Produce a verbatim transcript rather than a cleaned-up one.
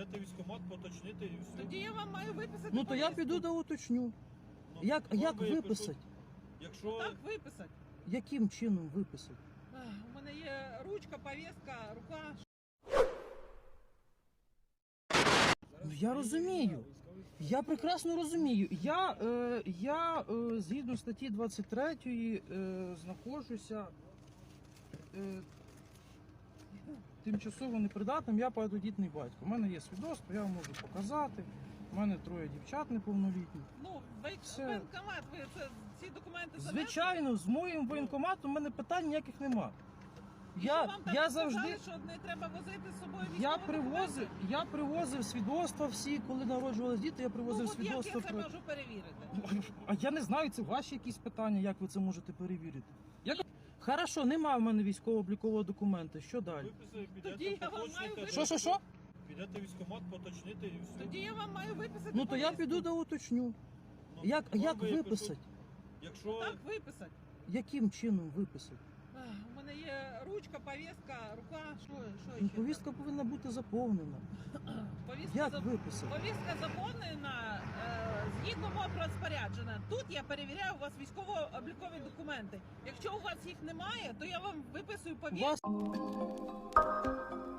Підете в військкомат, поточнити і все. Тоді я вам маю виписати. Ну то я повістку. піду да уточню. Ну, Як, вам як випишуть. виписати? Якщо Так виписати. Яким чином виписати? Ах, у мене є ручка, повістка, рука. Ну я розумію. Я прекрасно розумію. Я, е, я е, згідно статті двадцять третьої е, знаходжуся е, тимчасово непридатним, я багатодітний батько. У мене є свідоцтво, я вам можу показати. У мене троє дівчат неповнолітні. Ну, ви Це- воєнкомат, ви це, ці документи занесли? Звичайно, з моїм воєнкоматом у мене питань ніяких нема. І що Я, вам там я сказали, завжди. що не треба возити з собою Я військові привозив, документи? я привозив свідоцтва всі, коли народжувались діти, я Ну, привозив от як я свідоцтва. це про- можу перевірити? А я не знаю, це ваші якісь питання, як ви це можете перевірити. Як... Хорошо, немає в мене військово-облікового документа. Що далі? виписали, Тоді підете я вам маю поточнити. виписати. Що, що, що? Підете в військкомат, поточнити і все. Тоді я вам маю виписати. Ну то я повістку. піду да уточню. Ну, Як, вам як випишуть. виписати? Якщо Так виписати. Яким чином виписати? Ах, у мене є ручка, повістка, рука. Що, що Ну, ще? повістка повинна бути заповнена. Повістка, Як за- виписати? повістка заповнена е, згідно мого розпорядження. Тут я перевіряю у вас військово-облікові документи. Якщо у вас їх немає, то я вам виписую У повістку. вас